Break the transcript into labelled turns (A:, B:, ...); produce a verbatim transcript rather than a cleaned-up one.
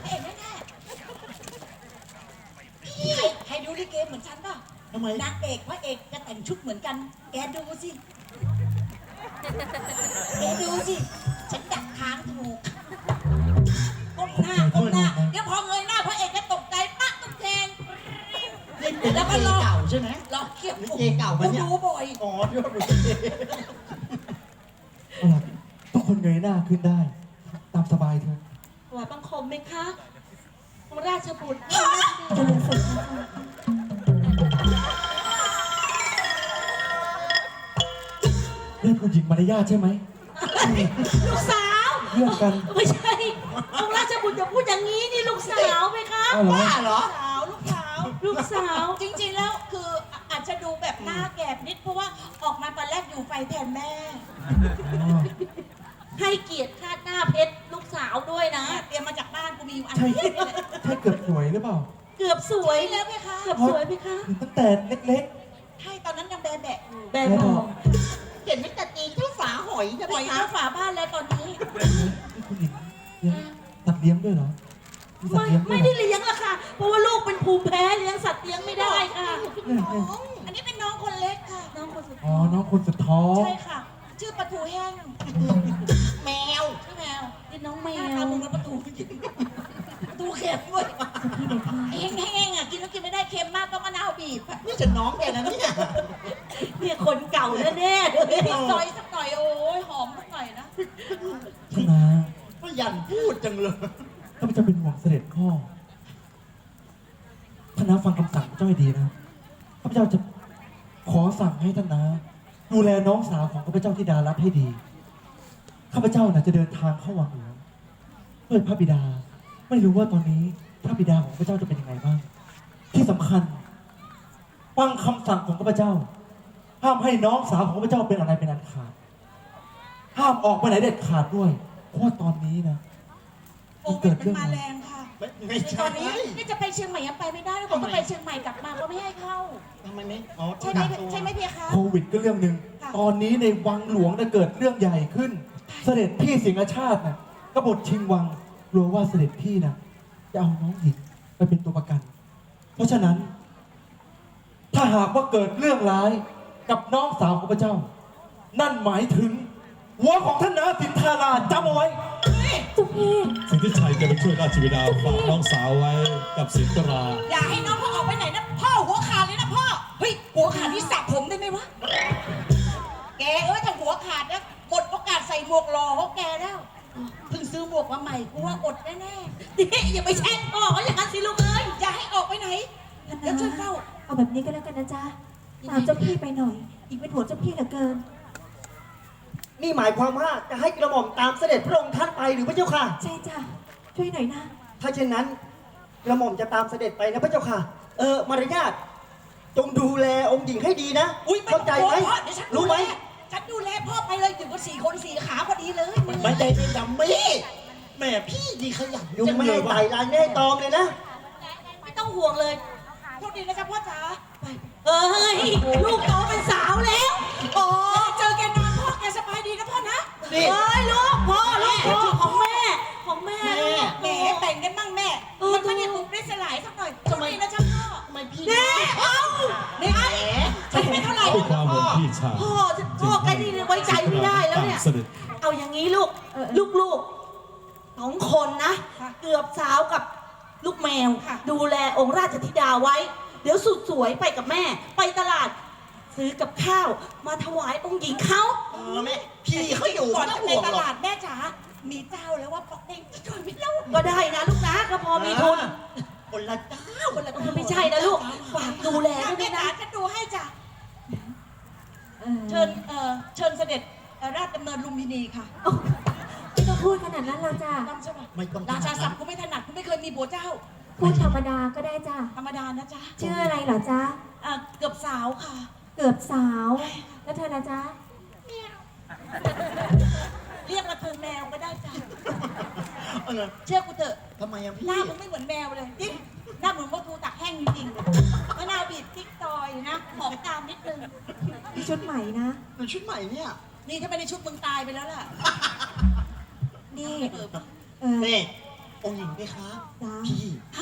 A: ระเอกแน่ๆใครใครดูลิเกเหมือนฉันป่ะทำไมนางเอกพระเอกจะแต่งชุดเหมือนกันแกดูสิแกดูสิฉันดักทางถูกก้มหน้าก้มหน้าเดี๋ยวพอเงยหน้าพระเอกจะตกใจปั๊กตุ๊กแกง
B: นี่เป็นลิเกเก่าใช่ไหม
A: รอเกี่ยว
B: ลิเกเก่าปะเนี่ย
A: ดูบ่อย
B: อ๋อดูบ่อย
C: เอาล่ะทุกคนเงยหน้าขึ้นได้ตามสบายเถอะ
D: ถวายบังคมไหมคะองค์ราชบุตร
C: เจริญสุขเรื่องผู้หญิงมารยาทใช่ไหม
D: ลูกสาว
C: เรื่องกัน
D: ไม่ใช่องค์ราชบุตรอย่าพูดอย่างนี้นี่ลูกสาวไหมคะ
C: อ้าวเหรอ
B: บ้าเหรอ
A: สาวลูกสาว
D: ลูกสาว
A: จริงๆแล้วคืออาจจะดูแบบหน้าแก่นิดเพราะว่าออกมาตอนแรกอยู่ไฟแทนแม่
C: อ๋อ
D: ให้เกียรติคาดหน้าเพชรลูกสาวด้วยนะ
A: เตรียมมาจากบ้านกูมีอยู่อัน
C: ใช่
A: นี้นี่แหละ
C: ใช่เกือบสวยหรือเปล่า
D: เกือบสวย
A: แล้วไหมคะ
D: เกือบสวยไหมคะ
C: ตั้งแต่เล็ก
A: ใช่ตอนนั้นยังแบะแบะอยู่
D: แบ
C: ๆ
D: บ
C: แล้ว
D: บ
C: บ
D: อ
C: อก
D: ก
B: เห็นไหมแต่ตีเท่าฝาหอยจะ
A: ป
B: ไป
A: ล่อย
B: ครั
A: เข้า
B: บ
A: ฝาบ้านแล้วตอนนี้
C: นี่ผู้หญิงเลี้ยงสัตว์เลี้ยงด้วยเหรอมีสัต
D: ไม่
C: ว์เลี้ยงด้วย
D: ไม่
C: เหร
D: ได้
C: อ
D: เลี้ยงละค่ะ เพราะว่าลูกเป็นภูมิแพ้เลี้ยงสัตว์เลี้ยงไม่ได้ค่ะ
C: เนี่ยเนี่ย
A: อันนี้เป็นน้องคนเล็กค่ะ
D: น้องคนสุด
C: อ๋อ น้องคนสุดท้อง
A: ใช่ค่ะ ชื่อปลาทูแห้ง
B: แมว
A: ชื่อแมว
D: เป็นน้องแม
A: หน้าตาว มึงแล้วปลาทูจริงปลาทูเค็มด้วยแห้งๆอ่ะกินแล้วกินไม่ได้เค็มมากต้องมะนาวบีบ
B: นี่จะน้องแกนะเนี่ย
D: เนี่ยคนเก่าแน่ๆเลย
A: นิดซอยสักหน่อยโอ้ยหอมสักหน่อยนะ
C: ท่านนา
B: ก็ยันพูดจังเลย
C: ข้าพเจ้าเป็นห่วงเสด็จพ่อท่านนาฟังคำสั่งข้าพเจ้าให้ดีนะข้าพเจ้าจะขอสั่งให้ท่านนาดูแลน้องสาวของข้าพเจ้าที่ดารัตให้ดี ข้าพเจ้าน่ะจะเดินทางเข้าวังหลวงเพื่อพระบิดา ไม่รู้ว่าตอนนี้พระบิดาของข้าพเจ้าจะเป็นยังไงบ้าง ที่สำคัญฟังคำสั่งของข้าพเจ้า ห้ามให้น้องสาวของข้าพเจ้าเป็นอะไรเป็นอันขาด ห้ามออกไปไหนเด็ดขาดด้วย เพราะว่าตอนนี้นะ
A: โอ้เป็นมันมาแรงค่ะ
B: ไม่ไม่
A: ต
B: ใช่
A: อนนี้นี่จะไปเชียงใหม่ยังไปไม่ได้แล้วผมก็ไปเชียงใหม่กลับมาก็ไม่ให้เข้า
B: ทำไมไม่อ๋อ
A: ใช่ไหม
B: กักตัว
A: ใช่ไหมเพียคะ
C: โควิดก็เรื่องหนึ่ง
A: ค่ะ
C: ตอนนี้ในวังหลวงจะเกิดเรื่องใหญ่ขึ้น เสด็จพี่สิงห์ชาติน่ะกบฏชิงวังกลัวว่าเสด็จพี่น่ะจะเอาน้องหญิงไปเป็นตัวประกัน เพราะฉะนั้น ถ้าหากว่าเกิดเรื่องร้ายกับน้องสาวของพระเจ้า นั่นหมายถึงหัวของท่านนาสินธาราจำเอาไว้
D: จุกพี่
E: สิทธิชัยจะไปช่วยราชบิดาฝากน้องสาวไว้กับสินตรา
A: อย่าให้น้องเขาออกไปไหนนะพ่อหัวขาดเลยนะพ่อเฮ้ยหัวขาดที่สระผมได้ไหมวะแกเอ้ยถ้าหัวขาดนะหมดโอกาสใส่หมวกหล่อเขาแกแล้วเพิ่งซื้อหมวกมาใหม่กูว่าอดแน่
D: นี่อย่าไปแช่งพ่อเขาอย่างนั้นสิลูกเอ้ย
A: ๆอย่าให้ออกไปไหนเดี๋ยวช่วยเฝ้า
F: เอาแบบนี้ก็แล้วกันนะจ๊ะ ตามเจ้าพี่ไปหน่อย อีกเป็นหัวเจ้าพี่เหลือเกิน
B: นี่หมายความว่าจะให้กระหม่อมตามเสด็จพระองค์ท่านไปหรือพระเจ้าค่ะ
F: ใช่จ้ะ ช่วยหน่อยนะ
B: ถ้าเช่นนั้นกระหม่อมจะตามเสด็จไปนะพระเจ้าค่ะ เออมารยาทจงดูแลองค์หญิงให้ดีนะ
A: อุ้ย
B: เข้าใจไหม
A: พ่อเดี๋ยวฉันดู
B: รู้
A: แล
B: ไหม
A: ฉันดูแลพ่อไปเลยอยู่กับสี่คนสี่ขาพอดีเลย
B: ไม่ได้เป็นดัมมี่แม่พี่ดีขยันยุงไม่ให้ไต่ลายไม่ให้ตอมเลยนะ
D: ไม่ต้องห่วงเลย
A: โชคดีนะจ๊ะพ่อจ๋า
D: เอ้ยลูกโตเป็นสาวแล้ว
A: โอ้เจอแกนานพ่อแกสบายดีนะพ่อนะ
B: นี่
D: เอ้ยลูกพ่อลูกพ่อของแม่ของแม่
B: แม่
D: ลูก
A: แหมแต่งกันบ้างแม่
D: เออ
A: มันไม่ได้บุกได้สลายสักหน่อยโชคดีนะจ๊ะพ่อ
B: ทำไมพี่
D: แม่เอ้า
A: นี่ไอ้ฉันไม่เท่าไหร่
E: ด้วยความห่วงพี่ชาย
D: พ่อพ่อแกนี่ไว้ใจไม่ได้แล้วเนี่ย
E: ตามเสด็จ
D: เอาอย่างนี้ลูก
F: เออ
D: ลูกลูกสองคนนะ เกือบสาวกับลูกแมว ดูแลองค์ราชธิดาไว้ เดี๋ยวสุดสวยไปกับแม่ ไปตลาด ซื้อกับข้าว มาถวายองค์หญิงเขา
B: เออแม่พี่เขาอยู่
A: ก่อน
B: ไม่
A: จะ
B: ต้อง
A: ไป
B: ห่วง
A: ต
B: หรอก
A: ลาดแม่จ๋ามีเจ้าแล้วว่าปอกเด้งช่วยไม่เล่า
D: ก็ได้นะลูกนะก็พอมีทุน
B: คนละเจ้า
A: คนละ
D: เออไม่ใช่นะลูกฝากดูแลด้วย
A: แม่
D: นะ
A: จ๋าฉันดูให้จ้ะ
F: เออ
A: เชิญเอ่อเชิญเสด็จเอ่อราชดำเนินลุมพินีค่ะ
F: ไม่ต้องพูดขนาดนั้นเราจ้ะ
A: จำใช่ปะ
B: ไม่ต้อง
A: ราชาศัพท์กูไม่ถนัดกูไม่เคยมีผัวเจ้า
F: พูดธรรมดาก็ได้จ้ะ
A: ธรรมดานะจ๊ะ
F: ชื่ออะไรเหรอจ๊ะ
A: เอ่อเกือบสาวค่ะ
F: เกือบสาว แล้วเธอนะจ๊ะ
A: เรียกมาเธอแมวก็ได้จ้ะ
B: เออ
A: เชื่อกูเถอะ
B: ทำไมอะพี่
A: หน้ามึงไม่เหมือนแมวเลยจริงหน้าเหมือนว่ากูตักแห้งจริงๆมะนาวบีบติ๊กซอยนะหอมตามนิดนึง
F: มีชุดใหม่นะ
B: ในชุดใหม่เนี่ย
A: นี่ถ้าไม่ได้ชุดมึงตายไปแล้วล่ะ
F: นี่
A: เออ
F: เออ
B: นี่องค์หญิงไหมคะ
F: จ้า
B: พี่